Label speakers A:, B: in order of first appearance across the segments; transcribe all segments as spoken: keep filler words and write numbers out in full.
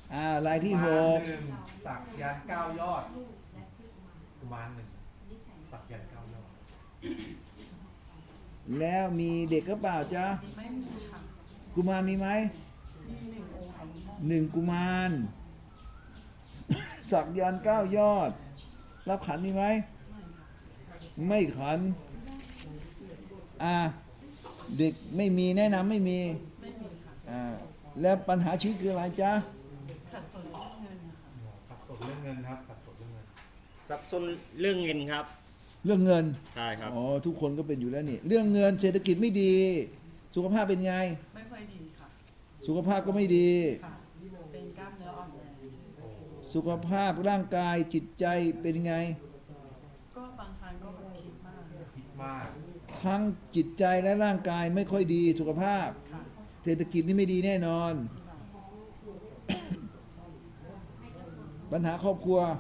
A: อ่ารายที่หก
B: กุมารหนึ่งสักยันต์เก้ายอดกุมารหนึ่งสักยันต์เก้ายอด
A: แล้วมีเด็กก็เปล่าจ๊ะ
C: ไม่มีค่ะ
A: กุมารมีไหม
C: มีหนึ่งองค์ค่ะ
A: หนึ่งกุมาร สักยันต์เก้ายอด รับขันมีไหมไม่ขันอ่าเด็กไม่มีแนะนำไม่มี
C: ไม่มีค่ะ
A: อ่าแล้วปัญหาชีวิตคืออะไรจ๊ะ
C: ขัดสนเรื่องเงินค่ะ
B: สักสดเรื่องเงินครับสักสดเรื่องเงิน
D: สับสนเรื่องเงินครับ
A: เรื่องเงิน
D: ใช่ครับ
A: อ๋อทุกคนก็เป็นอยู่แล้วนี่เรื่องเงินเศรษฐกิจไม่ดี สุขภาพเป็นไง
C: ไม่ค่อยดีค่ะ
A: สุขภาพก็ไม่ดี
C: ค่ะ เป็นกล้ามเนื้ออ่อนแรง
A: สุขภาพร่างกายจิตใจเป็นไง
C: ก็บางครั้งก็คิดมาก
B: คิดมาก
A: ทั้งจิตใจและร่างกายไม่ค่อยดีสุขภาพ
C: ค่ะ
A: เศรษฐกิจนี่ไม่ดีแน่นอน ปัญหาครอบครัว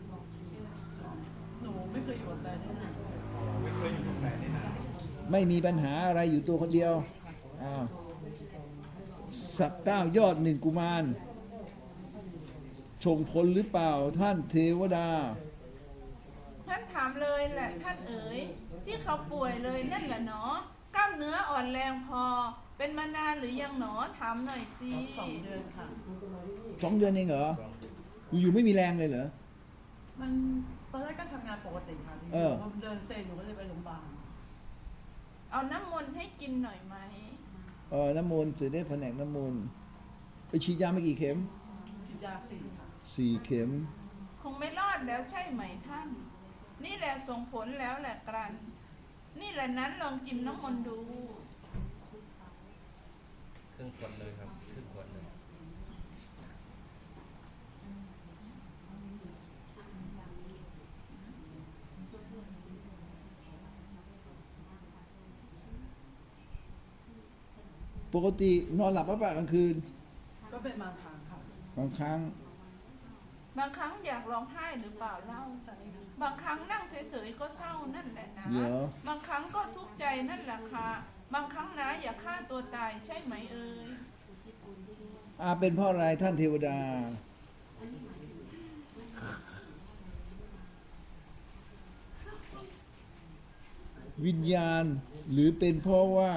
C: หนูไม่เคยอยู่กับแฟนได้นาน
B: ไม่เคยอยู่กับแฟนได้นาน
A: ไม่มีปัญหาอะไรอยู่ตัวคนเดียวอ้าวสักเก้ายอดหนึ่งกุมารชงผลหรือเปล่าท่านเทวดา
E: ท่านถามเลยแหละท่านเอ๋ยที่เขาป่วยเลยนั่นแหละเนาะกล้ามเนื้ออ่อนแรงพอ เป็นมานานหรือยังหนอถามหน่อยสิ
C: สองเดือนค่ะ
A: สองเดือนเองเหรอ อยู่ๆไม่มีแรงเลยเหรอ
C: มันตอนแรกก็ทำงานปกติค่ะ
A: เออ
C: พอเดินเซนหนูก็เลยไปโรงพยาบาล
E: เอาน้ำมนต์ให้กินหน่อยไหม
A: เออน้ำมนต์เสด็จแผนกน้ำมนต์ไปฉีดยาไม่กี่เข็ม
C: ฉีดยาสี่ค่ะ
A: สี่เข็ม
E: คงไม่รอดแล้วใช่ไหมท่าน นี่แหละส่งผลแล้วแหละกรัน นี่แหละนั้นลองกินน้ำมนต์ดู
D: ครึ่งขวดเลยครับ ครึ่งขวดเลย
A: ปกตินอนหลับปะปะกลางคืน
C: ก็เป็นบางครั้งค่ะ
A: บางครั้ง
E: บางครั้งอยากร้องไห้หรือเปล่าเล่า
C: ใช่ค่ะ
E: บางครั้งนั่งเฉยๆก็เศร้านั่นแหละนะ
A: เหรอ
E: บางครั้งก็ทุกข์ใจนั่นแหละค่ะ บางครั้งนะอยากฆ่าตัวตายใช่ไหมเอ่ย
A: อาเป็นเพราะอะไรท่านเทวดา วิญญาณหรือเป็นเพราะว่า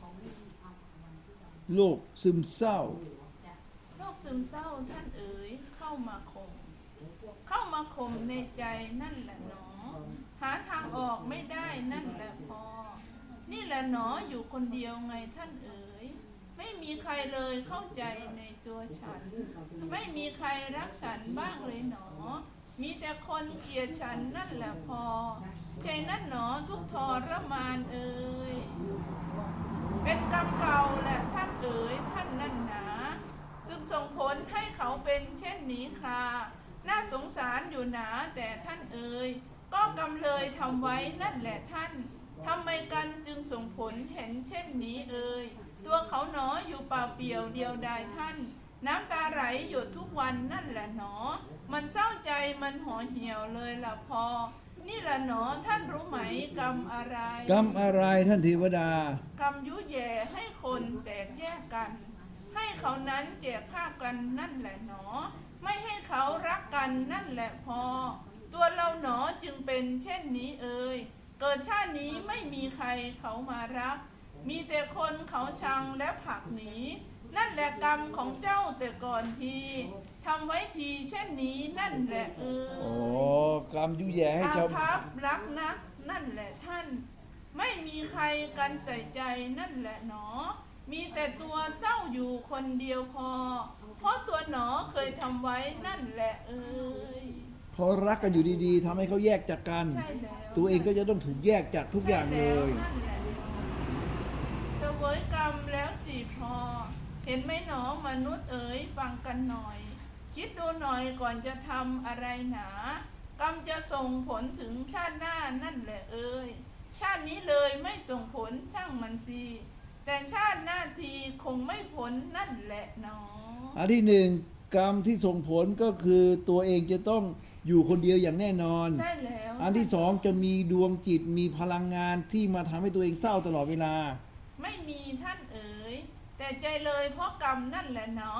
A: โรคซึมเศร้า
E: โรคซึมเศร้าท่านเอ๋ยเข้ามาข่มเข้ามาข่มในใจนั่นแหละหนอ หาทางออกไม่ได้นั่นแหละพอ นี่แหละหนออยู่คนเดียวไงท่านเอ๋ยไม่มีใครเลยเข้าใจในตัวฉัน ไม่มีใครรักฉันบ้างเลยหนอ มีแต่คนเกลียดฉันนั่นแหละพอ ใจนั่นหนอทุกทรมานเอ๋ยเป็นกรรมเก่าแหละท่านเอ๋ยท่านนั่นหนาจึงส่งผลให้เขาเป็นเช่นนี้ค่ะน่าสงสารอยู่หนาแต่ท่านเอ๋ยก็กำเลยทำไว้นั่นแหละท่านทำไมกันจึงส่งผลเห็นเช่นนี้เอ่ยตัวเขาหนออยู่เปล่าเปลี่ยวเดียวดายท่าน น้ำตาไหลหยดทุกวันนั่นแหละหนอ มันเศร้าใจมันห่อเหี่ยวเลยล่ะพอ นี่แหละหนอท่านรู้ไหมกรรมอะไร
A: กรรมอะไรท่านเทวดา
E: กรรมยุแย่ให้คนแตกแยกกัน ให้เขานั้นแจกฆ่ากันนั่นแหละหนอ ไม่ให้เขารักกันนั่นแหละพอ ตัวเราหนอจึงเป็นเช่นนี้เอ่ยเกิดชาตินี้ไม่มีใครเขามารัก มีแต่คนเขาชังและผลักหนี นั่นแหละกรรมของเจ้าแต่ก่อนทีทำไว้ทีเช่นนี้นั่นแหละเอ่ย
A: โอ้กรรมยุแย่ให้
E: อา
A: ชาว
E: ภัพรักนักนั่นแหละท่าน ไม่มีใครกันใส่ใจนั่นแหละหนอ มีแต่ตัวเจ้าอยู่คนเดียวพอ เพราะตัวหนอเคยทำไว้นั่นแหละเอ่ย
A: พอรักกันอยู่ดีๆทำให้เขาแยกจากกัน
E: ใช่แล้ว
A: ตัวเองก็จะต้องถูกแยกจากทุกอย่างเลย
E: ใช่แล้วนั่นแหละเสวยกรรมแล้วสิพอ เห็นไหมหนอมนุษย์เอ๋ยฟังกันหน่อย คิดดูหน่อยก่อนจะทำอะไรหนา กรรมจะส่งผลถึงชาติหน้านั่นแหละเอ่ยชาตินี้เลยไม่ส่งผลช่างมันสิแต่ชาติหน้าทีคงไม่ผลนั่นแหละหนอ
A: อันที่หนึ่งกรรมที่ส่งผลก็คือตัวเองจะต้องอยู่คนเดียวอย่างแน่นอน
E: ใช่แล้ว
A: อันที่สองจะมีดวงจิตมีพลังงานที่มาทำให้ตัวเองเศร้าตลอดเวลา
E: ไม่มีท่านเอ๋ยแต่ใจเลยเพราะกรรมนั่นแหละเนาะป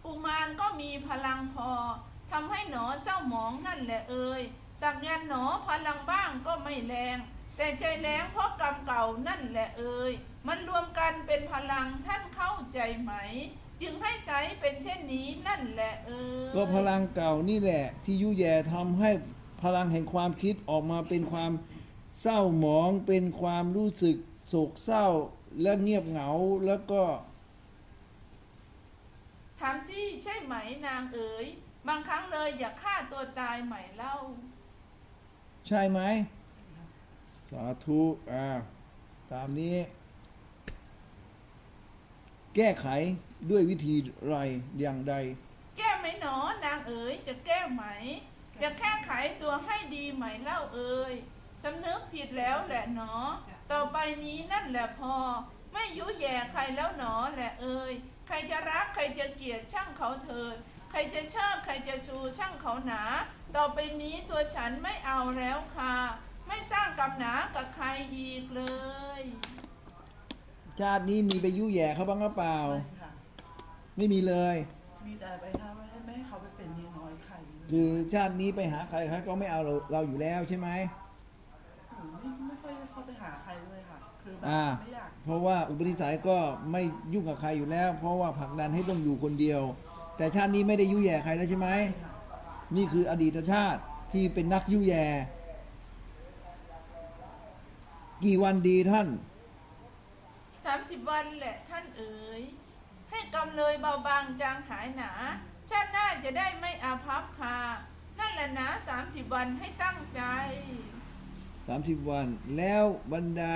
E: กุมารก็มีพลังพอทำให้หนอเศร้าหมองนั่นแหละเอ่ยสักยันต์หนอพลังบ้างก็ไม่แรง แต่ใจแรงเพราะกรรมเก่านั่นแหละเอ่ยมันรวมกันเป็นพลังท่านเข้าใจไหม จึงให้ใสเป็นเช่นนี้นั่นแหละเอ่ย
A: ก็พลังเก่านี่แหละ ที่ยุแย่ทำให้พลังแห่งความคิดออกมาเป็นความเศร้าหมอง เป็นความรู้สึกโศกเศร้าและเงียบเหงาแล้วก็
E: ถามสิใช่ไหมนางเอ๋ยบางครั้งเลยอยากฆ่าตัวตายใหม่เล่า
A: ใช่ไหมสาธุอ่าตามนี้ แก้ไขด้วยวิธีไรอย่างใด
E: แก้ไหมหนอนางเอ๋ยจะแก้ไหม จะแก้ไขตัวให้ดีไหมเล่าเอ๋ยสำนึกผิดแล้วแหละหนอ ต่อไปนี้นั่นแหละพอ ไม่ยุแย่ใครแล้วหนอแหละเอ๋ยใครจะรักใครจะเกลียดช่างเขาเถิด ใครจะชอบใครจะชูช่างเขาหนา ต่อไปนี้ตัวฉันไม่เอาแล้วค่ะ ไม่สร้างกรรมหนากับใครอีกเลย
A: ชาตินี้มีไปยุแย่เขาบ้างหรือเปล่า
C: ไม่ค่ะ
A: ไม่มีเลย
C: มีแต่ไปห้ามไม่ให้ไม่ให้เขาไปเป็นเมียน้อยใครเลย
A: คือชาตินี้ไปหาใครใครก็ไม่เอาเราเราอยู่แล้วใช่ไหม
C: หนูไม่ไม่ค่อยได้เข้าไปหาใครเลยค่ะ คือแบบ
A: อ่า
C: ไม่อยาก
A: เพราะว่าอุปนิสัยก็ไม่ยุ่งกับใครอยู่แล้ว เพราะว่าผลักดันให้ต้องอยู่คนเดียว แต่ชาตินี้ไม่ได้ยุแย่ใครแล้วใช่ไหม
C: ค่ะ
A: นี่คืออดีตชาติที่เป็นนักยุแย่ กี่วันดีท่าน
E: สามสิบวันแหละท่านเอ๋ยให้กำเลยเบาบางจางหายหนา ชาติหน้าจะได้ไม่อาภัพค่ะ นั่นแหละนะสามสิบวันให้ตั้งใจ
A: สามสิบวัน แล้วบรรดา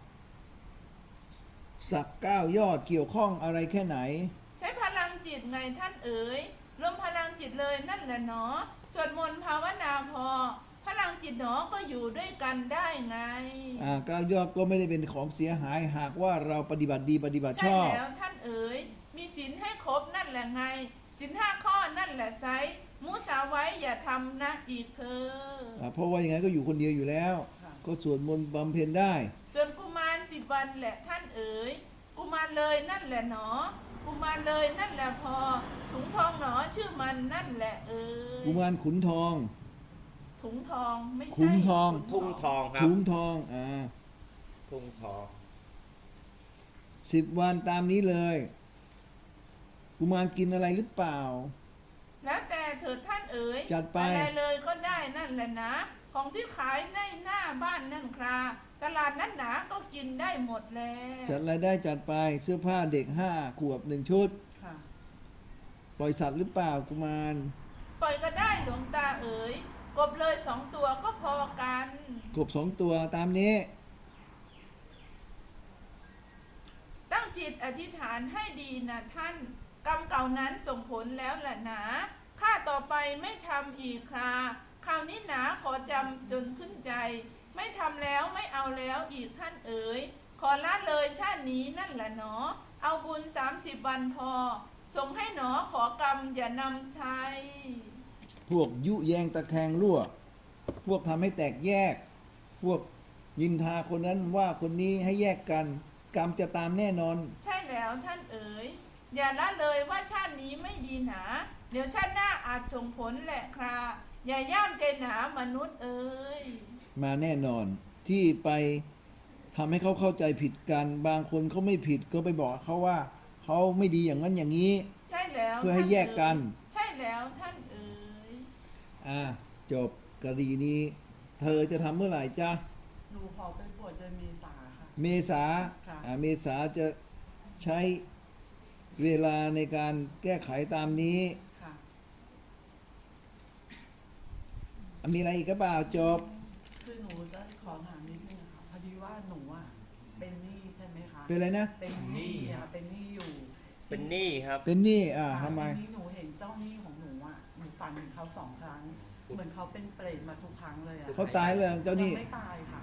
A: สักเก้ายอดเกี่ยวข้องอะไรแค่ไหน
E: ใช้พลังจิตไงท่านเอ๋ยรวมพลังจิตเลยนั่นแหละเนาะสวดมนต์ภาวนาพอ พลังจิตหนอก็อยู่ด้วยกันได้ไง
A: อ่าเก้ายอดก็ไม่ได้เป็นของเสียหายหากว่าเราปฏิบัติดีปฏิบัติช
E: ใช่
A: อบ
E: แล้วท่านเอ๋ยมีศีลให้ครบนั่นแหละไงศีลห้าข้อนั่นแหละไซมุสาไว้อย่าทำนะอีกเธอ
A: อ่าเพราะว่ายังไงก็อยู่คนเดียวอยู่แล้ว ก็สวดมนต์บำเพ็ญได้
E: ส่วนกุมารสิบวันแหละท่านเอ๋ยกุมารเลยนั่นแหละหนอ กุมารเลยนั่นแหละพอ ถุงทองหนอชื่อมันนั่นแหละเอ๋ย
A: กุมารขุนทอง
E: ถุงทองไม่ใช่
A: ขุนทอง
D: ทุ่งทองครับ
A: ถุงทอง อ่า
D: ทุ่งทอง
A: สิบวันตามนี้เลย กุมารกินอะไรหรือเปล่า
E: แล้วแต่เถิดท่านเอ๋ย
A: จัดไป
E: อะไรเลยก็ได้นั่นแหละนะ ของที่ขายในหน้าบ้านนั่นคราตลาดนั้นหนาก็กินได้หมดแล้ว
A: จัดรายได้จัดไปเสื้อผ้าเด็กห้าขวบหนึ่งชุด
C: ค่ะ
A: ปล่อยสัตว์หรือเปล่ากุมาร
E: ปล่อยก็ได้หลวงตาเอ๋ยกบเลยสองตัวก็พอกัน
A: กบสองตัวตามนี้
E: ตั้งจิตอธิษฐานให้ดีนะท่าน กรรมเก่านั้นส่งผลแล้วแหละหนาข้าต่อไปไม่ทำอีกคราคราวนี้หนาขอจำจนขึ้นใจ ไม่ทำแล้วไม่เอาแล้วอีกท่านเอ๋ยขอละเลยชาตินี้นั่นแหละหนอ เอาบุญสามสิบวันพอ ส่งให้หนอขอกรรมอย่านำใช้
A: พวกยุแยงตะแคงรั่ว พวกทำให้แตกแยก พวกยินทาคนนั้นว่าคนนี้ให้แยกกัน กรรมจะตามแน่นอน
E: ใช่แล้วท่านเอ๋ยอย่าละเลยว่าชาตินี้ไม่ดีหนา เดี๋ยวชาติหน้าอาจส่งผลแหละคราอย่าย่ามใจหนามนุษย์เอ๋ย
A: มาแน่นอนที่ไปทำให้เขาเข้าใจผิดกัน บางคนเขาไม่ผิดก็ไปบอกเขาว่าเขาไม่ดีอย่างนั้นอย่างนี้
E: ใช่แล้ว
A: เพื่อให้แยกกัน
E: ท่าเอ๋ยใช่แล้วท่านเอ๋ย
A: อ่าจบกรณีนี้ เธอจะทำเมื่อไหร่จ๊ะ
C: หนูขอไปบวชเดือนเมษาค่ะ
A: เมษา
C: ค่ะ
A: อ่าเมษาจะใช้เวลาในการแก้ไขตามนี้
C: ค่ะ
A: มีอะไรอีกก็เปล่าจบ
C: คือหนูจะขอถามนิดนึงค่ะพอดีว่าหนูอ่ะเป็นหนี้ใช่ไหมคะ
A: เป็นอะไรนะ
C: เป็นหนี้อ่ะเป็นหนี้อยู่
D: เป็นหนี้ครับ
A: เป็นหนี้อ่า
C: ค่ะ
A: ทำไม
C: ทีนี้หนูเห็นเจ้าหนี้ของหนูอ่ะหนูฝันถึงเขาสองครั้ง เหมือนเขาเป็นเปรตมาทุกครั้งเลยอ่ะ
A: เขาตายเลยเจ้าหนี้
C: ยังไม่ตายค่ะ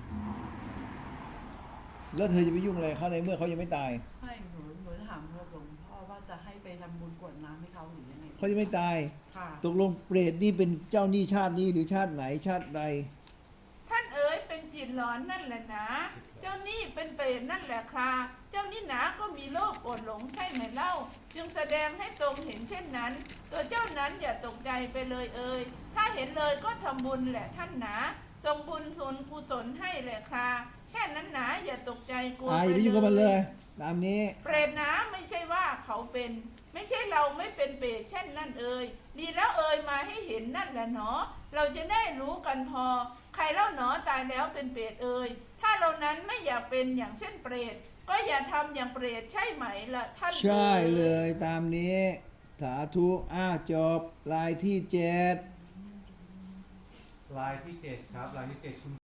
A: แล้วเธอจะไปยุ่งอะไรเขาในเมื่อเขายังไม่ตาย
C: ไม่หนูหนูจะถามหลวงพ่อว่าจะให้ไปทำบุญกรวดน้ำให้เขาหรือยังไง
A: เขายังไม่ตาย
C: ค่ะ
A: ตกลงเปรตนี่เป็นเจ้าหนี้ชาตินี้หรือชาติไหนชาติใด
E: ท่านเอ๋ยเป็นจิตหลอนนั่นแหละนะเจ้านี่เป็นเปรตนั่นแหละคราเจ้านี่หนาก็มีโลภโกรธหลงใช่ไหมเล่า จึงแสดงให้ตรงเห็นเช่นนั้น ตัวเจ้านั้นอย่าตกใจไปเลยเอ่ยถ้าเห็นเลยก็ทำบุญแหละท่านหนาส่งบุญส่วนกุศลให้แหละคราแค่นั้นหนาอย่าตกใจกลัว
A: อ่าอย่าไปยุ่งกับมันเลย ตามนี้
E: เปรตหนาไม่ใช่ว่าเขาเป็น ไม่ใช่เราไม่เป็นเปรตเช่นนั่นเอ่ยดีแล้วเอ่ยมาให้เห็นนั่นแหละหนอ เราจะได้รู้กันพอ ใครเล่าหนอตายแล้วเป็นเปรตเอ่ยถ้าเรานั้นไม่อยากเป็นอย่างเช่นเปรตก็อย่าทำอย่างเปรตใช่ไหมล่ะท่าน
A: ใช่
E: อ่
A: เลยตามนี้ สาธุอ้าจบลายที่เจ็ด
B: ลายที่เจ็ดครับลายที่เจ็ดคุณ